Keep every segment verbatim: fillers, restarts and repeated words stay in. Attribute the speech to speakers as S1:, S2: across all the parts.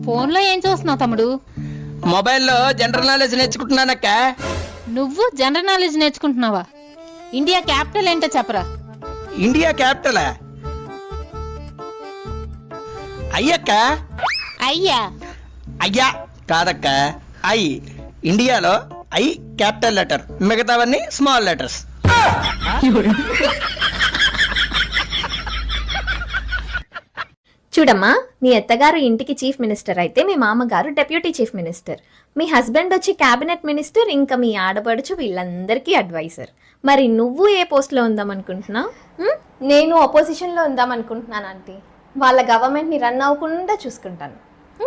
S1: Phone లో ఏం చూస్తున్నావు తమ్ముడు?
S2: మొబైల్లో జనరల్ నాలెడ్జ్ నేర్చుకుంటున్నానక్క.
S1: నువ్వు జనరల్ నాలెడ్జ్ నేర్చుకుంటున్నావా? ఇండియా క్యాపిటల్ ఏంటో చెప్పరా.
S2: ఇండియా క్యాపిటల్ అయ్యక్క.
S1: అయ్యా
S2: అయ్యా కాదక్క, ఐ. ఇండియాలో ఐ క్యాపిటల్ లెటర్, మిగతావన్నీ స్మాల్ లెటర్స్.
S3: చూడమ్మా, మీ అత్తగారు ఇంటికి చీఫ్ మినిస్టర్ అయితే మీ మామగారు డెప్యూటీ చీఫ్ మినిస్టర్, మీ హస్బెండ్ వచ్చి క్యాబినెట్ మినిస్టర్, ఇంకా మీ ఆడపడుచు వీళ్ళందరికీ అడ్వైజర్. మరి నువ్వు ఏ పోస్ట్లో ఉందాం అనుకుంటున్నావు? నేను అపోజిషన్లో ఉందాం అనుకుంటున్నాను ఆంటీ. వాళ్ళ గవర్నమెంట్ని రన్ అవ్వకుండా చూసుకుంటాను.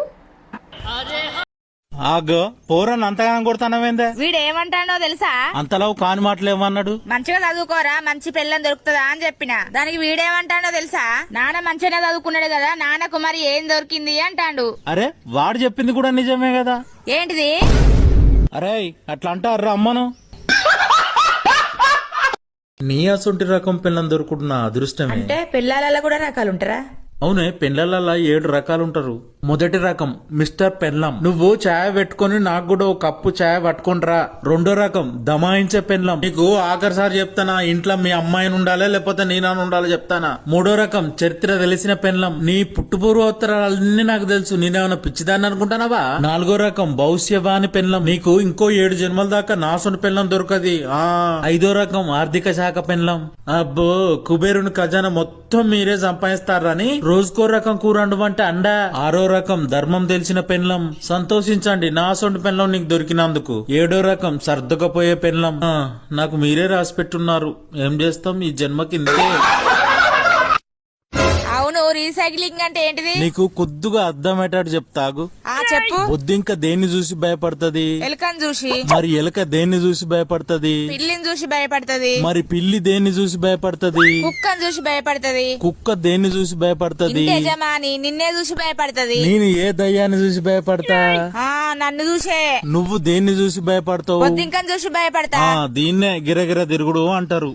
S4: ఆగో పోరని అంతగా కొడతానవేందే?
S5: వీడు ఏమంటాడో తెలుసా?
S4: అంతలో కాని మాటలు ఏమన్నాడు?
S5: మంచిగా చదువుకోరా, మంచి పిల్లని దొరుకుతుందా అని చెప్పిన. దానికి వీడేమంటాడో తెలుసా? నాన్న మంచిగానే చదువుకున్నాడు కదా, నాన్నకు మరి ఏం దొరికింది అంటాడు.
S4: అరే వాడు చెప్పింది కూడా నిజమే కదా.
S5: ఏంటిది?
S4: అరే అట్లా అంటారా అమ్మను? నీ అసొంటి రకం పిల్లని దొరుకుతున్న అదృష్టమే.
S5: అంటే పిల్లలలో కూడా రకాలు ఉంటారా?
S4: అవునే, పెండ్లల్లో ఏడు రకాలు ఉంటారు. మొదటి రకం మిస్టర్ పెన్లం, నువ్వు ఛాయ్ పెట్టుకుని నాకు కూడా ఒక కప్పు ఛాయ్ పట్టుకుంటరా. రెండో రకం దమాయించే పెన్లం, నీకు ఆఖరిసారి చెప్తానా ఇంట్లో మీ అమ్మాయిని ఉండాలి లేకపోతే నేనని ఉండాలి చెప్తానా. మూడో రకం చరిత్ర తెలిసిన పెన్లం, నీ పుట్టుపూర్వోత్తరాలన్నీ నాకు తెలుసు, నేనేమన్నా పిచ్చిదాన్ని అనుకుంటానావా. నాలుగో రకం భవిష్యవాణి పెన్లం, నీకు ఇంకో ఏడు జన్మల దాకా నాసుని పెన్లం దొరకది. ఆ ఐదో రకం ఆర్థిక శాఖ పెన్లం, అబ్బో కుబేరుని ఖజానా మొత్తం మీరే సంపాదిస్తారని రోజుకో రకం కూర వండమంటే అండా. ఆరో రకం ధర్మం తెలిసిన పెన్లం, సంతోషించండి నా సొంటి పెన్లం నీకు దొరికినందుకు. ఏడో రకం సర్దుకపోయే పెన్లం, నాకు మీరే రాసి పెట్టున్నారు, ఏం చేస్తాం ఈ జన్మకిందే.
S5: అవును, రీసైక్లింగ్ అంటే ఏంటిది?
S4: నీకు కొద్దిగా అర్థమయ్యేటట్టు చెప్తాగు.
S5: ఆ చెప్పు.
S4: బొద్దు ఇంకా దేన్ని చూసి భయపడుతుంది?
S5: ఎలుకని చూసి.
S4: మరి ఎలుక దేన్ని చూసి భయపడుతుంది?
S5: పిల్లిని చూసి భయపడుతుంది.
S4: మరి పిల్లి దేన్ని చూసి భయపడుతుంది?
S5: కుక్కని చూసి భయపడుతుంది.
S4: కుక్క దేన్ని చూసి భయపడుతుంది?
S5: యజమాని నిన్నే చూసి భయపడుతుంది.
S4: నేను ఏ దయ్యాన్ని చూసి భయపడతా?
S5: ఆ నన్ను చూసే.
S4: నువ్వు దేన్ని చూసి భయపడతావు?
S5: బొద్దింకని చూసి భయపడతా.
S4: ఆ దీన్నే గిరగిర తిరుగుడు అంటారు.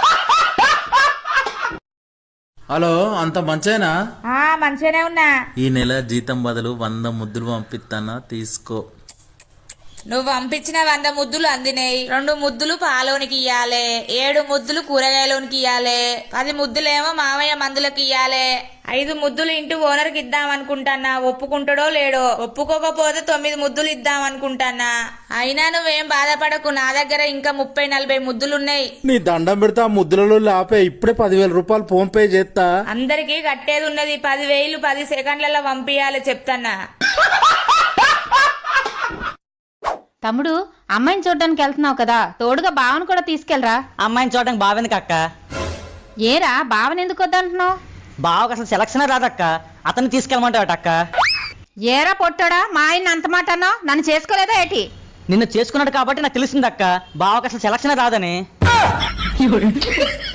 S4: హలో, అంత మంచేనా?
S5: ఆ మంచిగానే ఉన్నా.
S4: ఈ నెల జీతం బదులు వంద ముద్దులు పంపిస్తానా, తీసుకో.
S5: నువ్వు పంపించిన వంద ముద్దులు అందినాయి. రెండు ముద్దులు పాలోనికి ఇయ్యాలే, ఏడు ముద్దులు కూరగాయలోనికి ఇయ్యాలే, పది ముద్దులేమో మామయ్య మందులకు ఇయ్యాలే, ఐదు ముద్దులు ఇంటి ఓనర్కి ఇద్దాం అనుకుంటానా. ఒప్పుకుంటాడో లేడో. ఒప్పుకోకపోతే తొమ్మిది ముద్దులు ఇద్దాం అనుకుంటానా. అయినా నువ్వేం బాధపడకు, నా దగ్గర ఇంకా ముప్పై నలభై ముద్దులున్నాయి.
S4: నీ దండం పెడతా, ముద్దులలో లాపే ఇప్పుడే పదివేల రూపాయలు ఫోన్ పే చేస్తా.
S5: అందరికి కట్టేది ఉన్నది, పదివేలు పది సెకండ్లలో పంపియాలి చెప్తానా.
S1: తమ్ముడు, అమ్మాయిని చూడడానికి వెళ్తున్నావు కదా, తోడుగా బావను కూడా తీసుకెళ్ళరా.
S2: అమ్మాయిని చూడడానికి బావెందుకు అక్క?
S1: ఏరా బావని ఎందుకు వద్దంటున్నావు?
S2: బావకు అసలు సెలక్షన్ రాదక్క, అతన్ని తీసుకెళ్ళమంటావట అక్క.
S1: ఏరా పొట్టాడా, మా ఆయన అంత మాట అన్నావు, నన్ను చేసుకోలేదా ఏటి?
S2: నిన్ను చేసుకున్నాడు కాబట్టి నాకు తెలిసిందక్క, బావకు అసలు సెలక్షన్ రాదని.